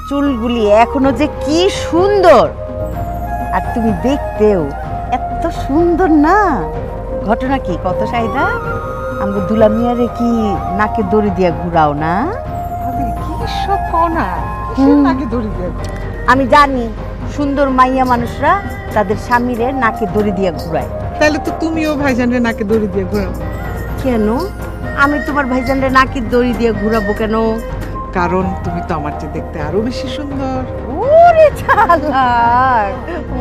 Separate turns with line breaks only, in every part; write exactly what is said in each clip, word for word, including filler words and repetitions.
চুলগুলি এখনো যে কি সুন্দর, আর তুমি দেখতেও এত সুন্দর না। ঘটনা কি কত সাইদা, আমাকে দুলা মিয়ারে কি নাকে দড়ি দিয়া ঘুরাও না?
ভাবি কি সব কনা
হুম।
নাকি দড়ি দিয়ে
আমি জানি সুন্দর মাইয়া মানুষরা তাদের স্বামীরে নাকে দড়ি দিয়া ঘুরায়।
তাহলে তো তুমিও ভাইজানরে নাকে দড়ি দিয়ে ঘোরাও।
কেন আমি তোমার ভাইজানরে নাকে দড়ি দিয়ে ঘুরাবো কেন?
কারণ তুমি তো আমার চেয়ে দেখতে আরো বেশি সুন্দর।
ওরে চালাক! ও,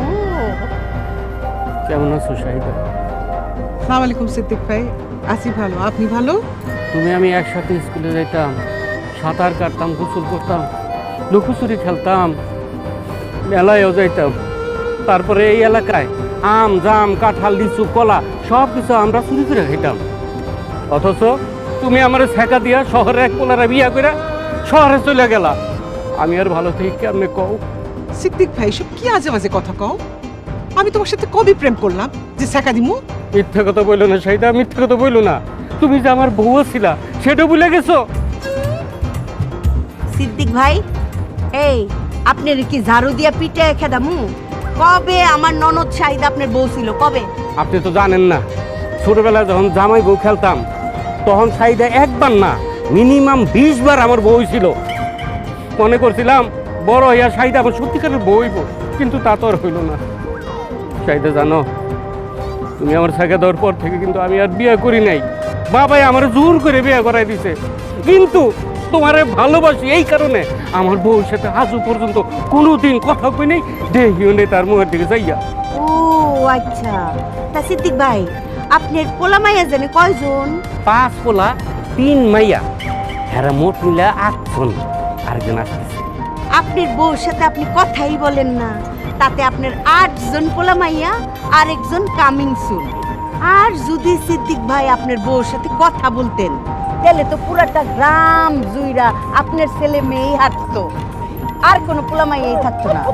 কেমন আছো শাহিদা?
সালাম আলাইকুম সিদ্দিক ভাই। আছি ভালো, আপনি ভালো?
তুমি আমি একসাথে স্কুলে যাইতাম, সাঁতার কাটতাম, গোসল করতাম, লুকোচুরি খেলতাম, মেলায়ও যাইতাম। তারপরে এই এলাকায় আম জাম কাঁঠাল লিচু কলা সব কিছু আমরা চুরি করে খাইতাম। অথচ তুমি আমার ছেঁকা দিয়া শহরে এক পোলারা বিয়া করে শহরে চলে গেলা। আমি আর ভালো থেকে কেমনে কও?
সিদ্দিক ভাই সব কি আজে বাজে কথা কও? আমি তোমার সাথে কবে প্রেম করলাম যে ছেঁকা দিমু?
মিথ্যে কথা বললো না শাহিদা, মিথ্যে কথা বললো না। তুমি যে আমার বউ ছিলা সেটা ভুলে গেছো।
সিদ্দিক ভাই, এই আপনার কি ঝাড়ু দিয়া পিঠে খেদামু? কবে আমার ননদ শাহিদা আপনার বউ ছিল কবে?
আপনি তো জানেন না, ছোটবেলায় যখন জামাই বউ খেলতাম তখন শাহিদা একবার না মিনিমাম বিশ বার আমার বউ ছিল। মনে করছিলাম বড় হইয়া শাহিদা আমার সত্যিকারের বউ হইব, কিন্তু তা তো আর হইল না। শাহিদা জানো, তুমি আমার সাইকেল দেওয়ার পর থেকে কিন্তু আমি আর বিয়ে করি নাই। বাবাই আমার জোর করে বিয়ে করাই দিছে, কিন্তু তোমারে ভালোবাসি এই কারণে আমার বউর সাথে আজও পর্যন্ত কোনোদিন কথা কই নেই, দেখিও নেই তার মুখের দিকে যাইয়া।
ও আচ্ছা, তা সিদ্দিক ভাই আপনার পোলা মাইয়া জানে কয়জন?
পাঁচ পোলা তিন মাইয়া, হেরা মোট মিলা আটজন। আরেকজন আসতেছে।
আপনার বউর সাথে আপনি কথাই বলেন না, তাতে আপনার আটজন পোলা মাইয়া আর একজন কামিং সুন। আর যদি সিদ্দিক ভাই আপনার বউর সাথে কথা বলতেন তাহলে তো পুরাটা গ্রাম জুইরা আপনার ছেলে মেয়েই হাঁটতো, আর কোনো পোলা মাইয়াই থাকতো না।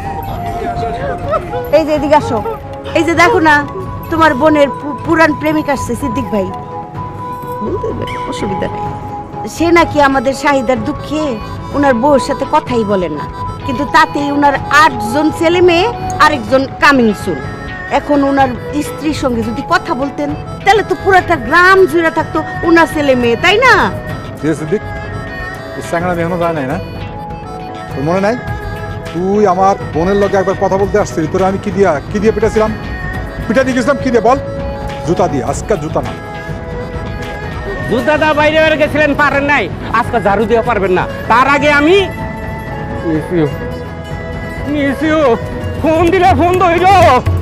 এই যে এদিকে আসো, এই যে দেখো না তোমার বোনের পু- পুরান প্রেমিক আসছে সিদ্দিক ভাই। অসুবিধা নেই, সে নাকি আমাদের শাহিদার দুঃখে ওনার বউর সাথে কথাই বলেন না, কিন্তু তাতেই ওনার আটজন ছেলে মেয়ে আরেকজন কামিং সুন। এখন ওনার স্ত্রীর সঙ্গে যদি কথা বলতেন তাহলে তো পুরাটা গ্রাম জুড়ে থাকতো ওনার ছেলে মেয়ে, তাই না?
ঠিক সিদ্দিক, তোর স্যাংরা এখনো যায় নাই না? তোর মনে নাই তুই আমার বোনের লগে একবার কথা বলতে আসছিলি, তোরা আমি কি দিয়া কি দিয়ে পিটাছিলাম? পিটা দিয়ে গেছিলাম কি দিয়ে বল? জুতা দিয়ে। আজকে জুতা না।
জুতাটা বাইরে বের গেছিলেন, পারেন নাই, আজকে ঝাড়ু দিয়ে পারবেন না। তার আগে আমি miss you miss you phone দিলে ফোন ধরো।